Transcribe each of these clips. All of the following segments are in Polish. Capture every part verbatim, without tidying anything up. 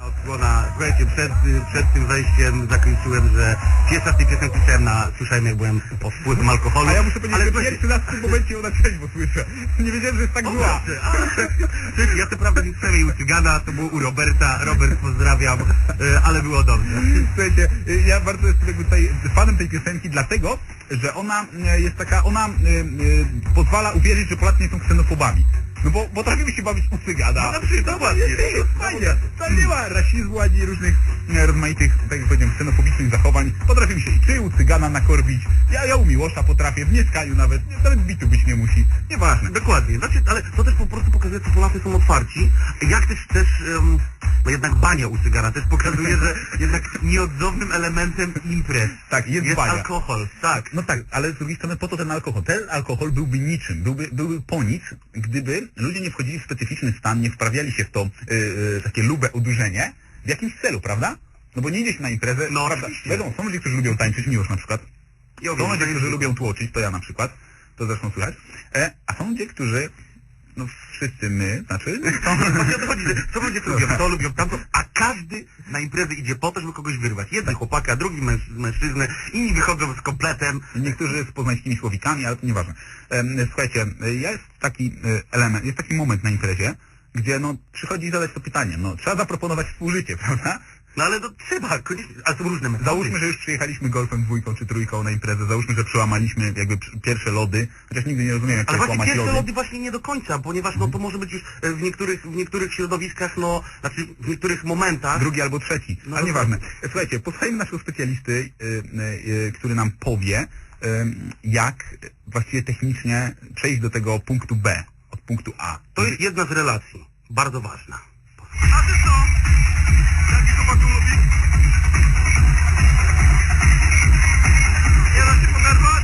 Odsłona, słuchajcie, przed, przed tym wejściem zakończyłem, że pierwsza z tej piosenki słyszałem, na, słyszałem jak byłem pod wpływem alkoholu. A ja muszę powiedzieć, ale że pierwszy raz w tym momencie ją na trzeźwo słyszę. Nie wiedziałem, że jest tak zła. Słuchajcie, ja to prawda nie słyszałem jej u Cygana, to było u Roberta. Robert, pozdrawiam, ale było dobrze. Słuchajcie, ja bardzo jestem tutaj fanem tej piosenki, dlatego, że ona jest taka, ona y, y, pozwala uwierzyć, że Polacy nie są ksenofobami. No bo potrafimy się bawić u Cygana. No na przykład, właśnie. Jest fajnie. Tam nie ma rasizmu, ani różnych e, rozmaitych, tak jak powiedziałem, ksenofobicznych zachowań. Potrafimy się i czy u Cygana nakorbić. Ja, ja u Miłosza potrafię, w Mieszkaniu nawet. Nawet bitu być nie musi. Nieważne. Dokładnie. Znaczy, ale to też po prostu pokazuje, że Polacy są otwarci. Jak też też, um, no jednak bania u Cygana też pokazuje, że jednak nieodzownym elementem imprez Tak, jest, jest bania. alkohol. Tak. No tak, ale z drugiej strony po to ten alkohol. Ten alkohol byłby niczym, byłby, byłby po nic, gdyby ludzie nie wchodzili w specyficzny stan, nie wprawiali się w to yy, yy, takie lube udurzenie w jakimś celu, prawda? No bo nie idzie się na imprezę, No, prawda? oczywiście. Wiadomo, są ludzie, którzy lubią tańczyć, Miłosz na przykład. Ja Są wiem, ludzie, że którzy jest- lubią tłoczyć, to ja na przykład, to zresztą słychać. E, a są ludzie, którzy, no wszyscy my, znaczy, są... Właśnie o to chodzi, że są ludzie, którzy lubią to, lubią tamto, a każdy na imprezę idzie po to, żeby kogoś wyrwać. Jeden chłopaka, drugi męż, mężczyznę, inni wychodzą z kompletem. Niektórzy z poznańskimi słowikami, ale to nieważne. Em, Słuchajcie, jest taki e, element, jest taki moment na imprezie, gdzie no przychodzi zadać to pytanie, no trzeba zaproponować współżycie, prawda? No ale to trzeba, koniecznie, ale są różne metody. Załóżmy, że już przyjechaliśmy golfem dwójką czy trójką na imprezę, załóżmy, że przełamaliśmy jakby pr- pierwsze lody, chociaż nigdy nie rozumiem, jak Ale to jest właśnie łamać pierwsze lody. lody właśnie nie do końca, ponieważ no to może być już e, w niektórych, w niektórych środowiskach, no, znaczy w niektórych momentach. Drugi albo trzeci, No ale to- nieważne. Słuchajcie, posłuchajmy naszego specjalisty, y, y, y, który nam powie, y, jak właściwie technicznie przejść do tego punktu B, od punktu A. To jest jedna z relacji, bardzo ważna. A ty co? Jaki chłopak lubi? Nie da się poderwać?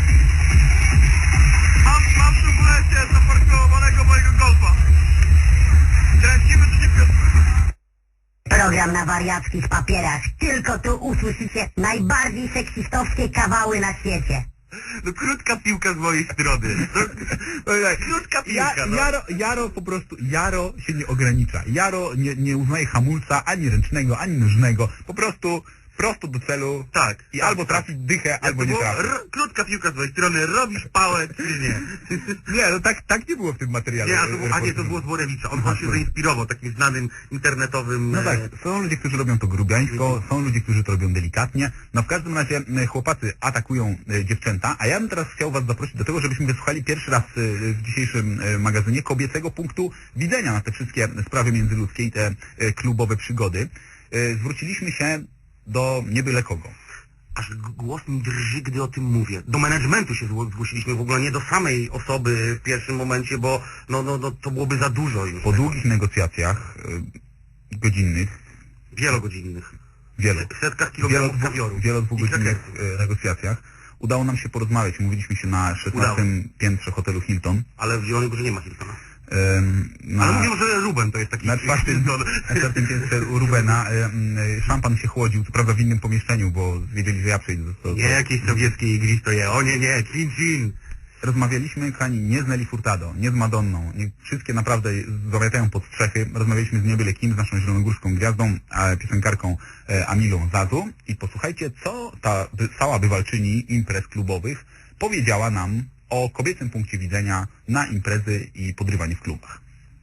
Mam, mam tu w lecie zaparkowanego mojego golfa. Kręcimy czy nie kręcimy? Program na wariackich papierach. Tylko tu usłyszycie najbardziej seksistowskie kawały na świecie. No krótka piłka z mojej strony. No, krótka Ja, piłka, no. Jaro, Jaro po prostu, Jaro się nie ogranicza. Jaro nie, nie uznaje hamulca ani ręcznego, ani nożnego. Po prostu prosto do celu. Tak. I tak, albo tak. trafi dychę, Jak albo to nie było? trafi. R- krótka piłka z mojej strony, robisz pałę czy nie? Nie, no tak, tak nie było w tym materiale. Nie, a, to było, a nie, to reportażowym. było z Borewicza. On, Aha, on się zainspirował takim znanym internetowym... No tak, e, są ludzie, którzy robią to grubiańsko, są ludzie, którzy to robią delikatnie. No w każdym razie e, chłopacy atakują e, dziewczęta, a ja bym teraz chciał was zaprosić do tego, żebyśmy wysłuchali pierwszy raz e, w dzisiejszym e, magazynie kobiecego punktu widzenia na te wszystkie sprawy międzyludzkie i te e, klubowe przygody. E, zwróciliśmy się do nie byle kogo. Aż g- głos mi drży, gdy o tym mówię. Do managementu się zgło- zgłosiliśmy, w ogóle nie do samej osoby w pierwszym momencie, bo no, no, no, to byłoby za dużo już. Po długich negocjacjach e, godzinnych, Wielogodzinnych. wielu, W setkach kilogramów kawioru. wielo dwugodzinnych I e, negocjacjach udało nam się porozmawiać. Mówiliśmy się na szesnastym piętrze hotelu Hilton. Ale w Zielonej Górze nie ma Hiltona. Em, na, Ale mówią, że Ruben to jest taki... na czwartym, Hilton. na czwartym piętrze u Rubena em, szampan się chłodził, co prawda w innym pomieszczeniu, bo wiedzieli, że ja przyjdę. To, to, Nie jakieś sowieckie igristo je. O nie, nie, cin, cin. Rozmawialiśmy, kochani, nie z Nelly Furtado, nie z Madonną, nie, wszystkie naprawdę zamiatają pod strzechy. Rozmawialiśmy z niebyle kim, z naszą zielonogórską gwiazdą, a, piosenkarką e, Amilą Zazu i posłuchajcie, co ta by, cała bywalczyni imprez klubowych powiedziała nam o kobiecym punkcie widzenia na imprezy i podrywanie w klubach.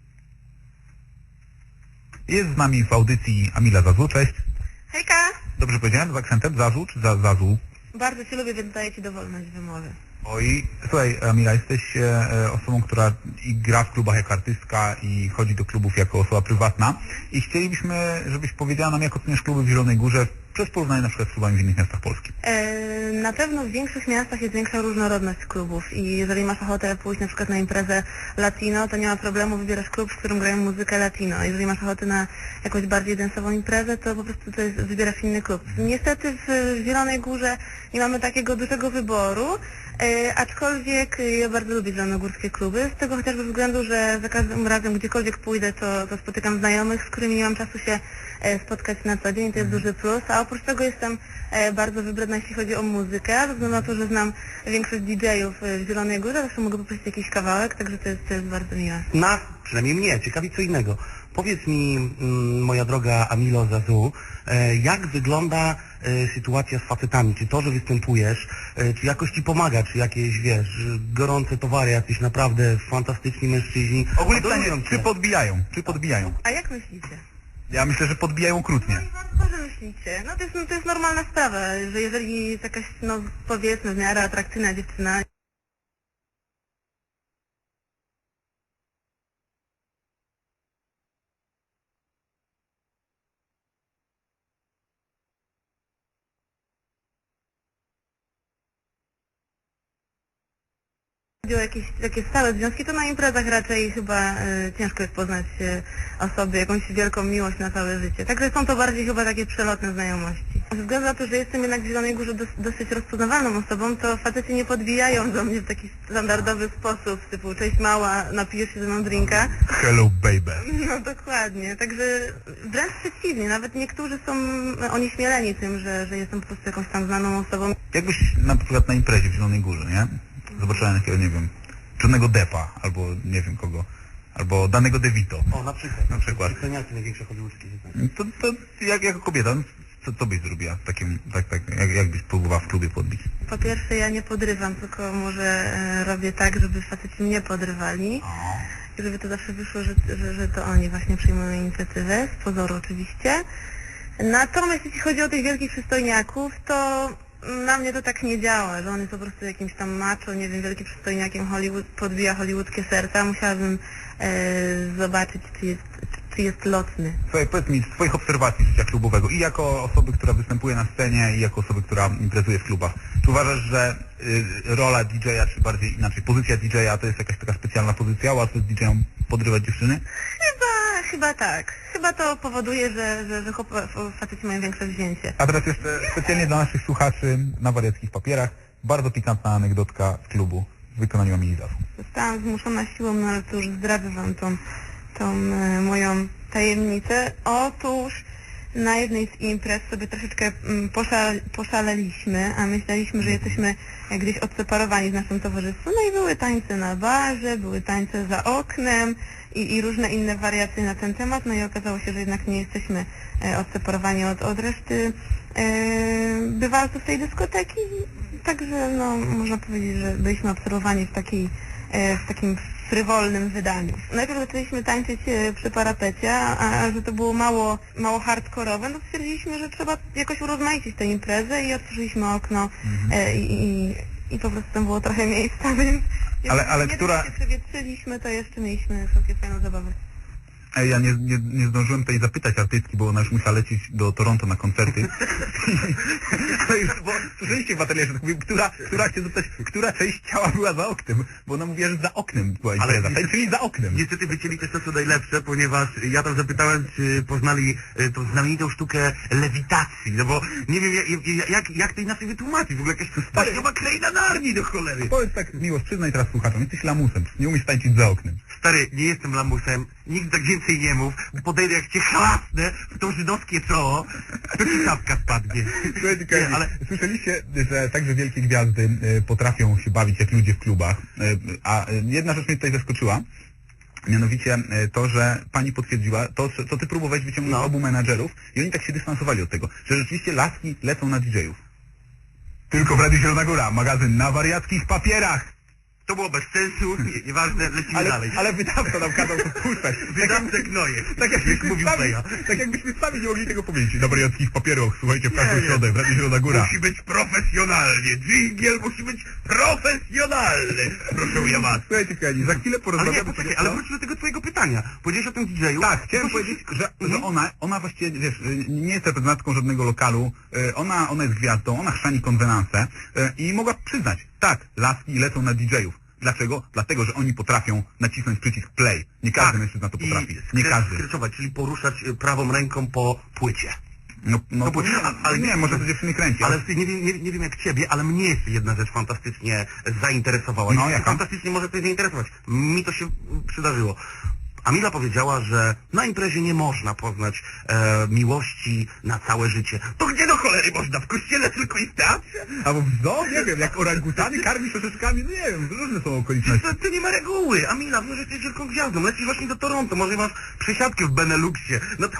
Jest z nami w audycji Amila Zazu, cześć. Hejka! Dobrze powiedziałem z akcentem Zazu czy za, Zazu? Bardzo Cię lubię, więc daję Ci dowolność wymowy. Oj, słuchaj Amila, jesteś e, osobą, która i gra w klubach jako artystka i chodzi do klubów jako osoba prywatna i chcielibyśmy, żebyś powiedziała nam, jak oceniasz kluby w Zielonej Górze przez porównanie na przykład z klubami w innych miastach Polski. E, na pewno w większych miastach jest większa różnorodność klubów i jeżeli masz ochotę pójść na przykład na imprezę latino, to nie ma problemu, wybierasz klub, w którym grają muzykę latino. Jeżeli masz ochotę na jakąś bardziej densową imprezę, to po prostu to jest, wybierasz inny klub. Niestety w Zielonej Górze nie mamy takiego dużego wyboru, e, aczkolwiek ja bardzo lubię zielonogórskie kluby, z tego chociażby względu, że za każdym razem gdziekolwiek pójdę, to, to spotykam znajomych, z którymi nie mam czasu się e, spotkać na co dzień, to jest duży plus, a oprócz tego jestem e, bardzo wybredna, jeśli chodzi o muzykę, ze względu na to, że znam większość D J-ów w Zielonej Górze, zawsze mogę poprosić jakiś kawałek, także to jest, to jest bardzo miłe. Nas, przynajmniej mnie, ciekawi co innego. Powiedz mi, mm, moja droga Amilo Zazu, e, jak wygląda e, sytuacja z facetami? Czy to, że występujesz, e, czy jakoś ci pomaga, czy jakieś, wiesz, gorące towary, jacyś naprawdę fantastyczni mężczyźni? Ogólnie adorują pytanie, cię? czy podbijają? Czy podbijają? A jak myślicie? Ja myślę, że podbijają okrutnie. Co wy myślicie? No to jest, no to jest normalna sprawa, że jeżeli jest jakaś, no powiedzmy, w miarę atrakcyjna dziewczyna, chodzi o jakieś takie stałe związki, to na imprezach raczej chyba y, ciężko jest poznać y, osoby, jakąś wielką miłość na całe życie. Także są to bardziej chyba takie przelotne znajomości. Ze względu na to, że jestem jednak w Zielonej Górze dos dosyć rozpoznawalną osobą, to faceci nie podbijają do mnie w taki standardowy sposób, typu cześć mała, napijesz się ze mną drinka. Hello baby. No dokładnie, także wręcz przeciwnie, nawet niektórzy są onieśmieleni tym, że, że jestem po prostu jakąś tam znaną osobą. Jakbyś na przykład na imprezie w Zielonej Górze, nie? Zobaczyłem jakiego, nie wiem, Johnnego Deppa, albo nie wiem kogo, albo danego DeVito. O, na przykład. Na przykład. Ceniacie największe hollywoodzkie To, to jak, jako kobieta, no, co, co byś zrobiła w takim, tak, tak, jak, jak byś próbowała w klubie podbić? Po pierwsze ja nie podrywam, tylko może e, robię tak, żeby faceci mnie podrywali. O. I żeby to zawsze wyszło, że, że, że to oni właśnie przyjmują inicjatywę, z pozoru oczywiście. Natomiast jeśli chodzi o tych wielkich przystojniaków, to na mnie to tak nie działa, że on jest po prostu jakimś tam macho, nie wiem, wielkim przystojniakiem, Hollywood, podbija hollywoodzkie serca. Musiałabym e, zobaczyć, czy jest, czy, czy jest lotny. Słuchaj, powiedz mi, z twoich obserwacji życia klubowego i jako osoby, która występuje na scenie i jako osoby, która imprezuje w klubach, czy uważasz, że y, rola didżeja, czy bardziej inaczej, pozycja didżeja to jest jakaś taka specjalna pozycja, łatwo z didżejem podrywać dziewczyny? Chyba, chyba tak. Chyba to powoduje, że, że, że chłop- faceci mają większe wzięcie. A teraz jeszcze specjalnie dla naszych słuchaczy na wariackich papierach bardzo pikantna anegdotka z klubu w wykonaniu Amili Zazu. Zostałam zmuszona siłą, no ale to już zdradzę wam tą, tą e, moją tajemnicę. Otóż na jednej z imprez sobie troszeczkę mm, poszal, poszaleliśmy, a myśleliśmy, że jesteśmy e, gdzieś odseparowani z naszym towarzystwem. No i były tańce na barze, były tańce za oknem i, i różne inne wariacje na ten temat. No i okazało się, że jednak nie jesteśmy e, odseparowani od, od reszty e, bywalców tej dyskoteki. Także no, można powiedzieć, że byliśmy obserwowani w, takiej, e, w takim frywolnym wydaniu. Najpierw zaczęliśmy tańczyć e, przy parapecie, a, a że to było mało, mało hardkorowe, no stwierdziliśmy, że trzeba jakoś urozmaicić tę imprezę i otworzyliśmy okno e, i, i, i po prostu tam było trochę miejsca, więc Ale- ale nie która- tylko się przewietrzyliśmy, to jeszcze mieliśmy sobie fajną zabawę. Ej, ja nie, nie, nie zdążyłem tutaj zapytać artystki, bo ona już musiała lecieć do Toronto na koncerty. To już, bo słyszeliście w atelierze, tak mówię, która, która chcę zapytać, która część ciała była za oknem, bo ona mówiła, że za oknem była Ale impreza, niestety- czyli za oknem. Niestety wycięli też to, co najlepsze, ponieważ ja tam zapytałem, czy poznali e, tą znamienitą sztukę lewitacji, no bo nie wiem, jak, jak, jak to inaczej wytłumaczyć, w ogóle jakaś wspaniała kraina Narni do cholery. Powiedz tak, miłość, przyznaj teraz słuchaczom, jesteś lamusem, nie umiesz tańczyć za oknem. Stary, nie jestem lamusem, nigdy tak więcej nie mów, bo podejdę jak cię chlasnę w to żydowskie czoło, to ci czapka spadnie. Słuchajcie, Nie, ale ale słyszeliście, że także wielkie gwiazdy y, potrafią się bawić jak ludzie w klubach, y, a y, jedna rzecz mnie tutaj zaskoczyła, mianowicie y, to, że pani potwierdziła, to, co- co ty próbowałeś wyciągnąć No. obu menadżerów i oni tak się dystansowali od tego, że rzeczywiście laski lecą na didżejów. Tylko w Radiu Zielona Góra, magazyn na wariackich papierach. to było bez sensu, nie, nieważne, lecimy Ale, dalej. ale wydawca nam kazał to puszczać. Wydawcę gnoje, Tak jak jakbyśmy mówił sami, Peja. tak jakbyśmy sami nie mogli tego powiedzieć. Na wariackich papierach, słuchajcie, w każdą Nie, nie. środę, w Radiu Zielona Góra. Musi być profesjonalnie, dżingiel musi być profesjonalny, proszę ja was. Słuchajcie, kochani, za chwilę Ale porozmawiamy nie, poczekaj, sobie ale o- wróćmy do tego twojego pytania. Powiedziałeś o tym didżeju. Tak, chciałem Tylko się- powiedzieć, że, że Mhm. ona, ona właściwie, wiesz, nie jest reprezentantką żadnego lokalu, y, ona, ona jest gwiazdą, ona chrzani konwenanse y, i mogła przyznać, tak, laski lecą na didżejów. Dlaczego? Dlatego, że oni potrafią nacisnąć przycisk play. Nie każdy mężczyzna to potrafi. I Nie skre- każdy. skreczować, czyli poruszać y, prawą ręką po płycie. No, no No bo- nie, a- ale nie, może to dziewczyny kręci. Ale nie wiem, nie, nie wiem jak ciebie, ale mnie jeszcze jedna rzecz fantastycznie zainteresowała. No, I jaka? fantastycznie może coś zainteresować. Mi to się przydarzyło. Amila powiedziała, że na imprezie nie można poznać e, miłości na całe życie. To gdzie do cholery można? W kościele tylko i w teatrze? Albo w zoo, nie wiem, jak orangutany karmisz orzeszkami, no nie wiem, różne są okoliczności. To, to nie ma reguły. Amila, wiesz, że jesteś wielką gwiazdą. Lecisz właśnie do Toronto, może masz przesiadkę w Beneluxie. No to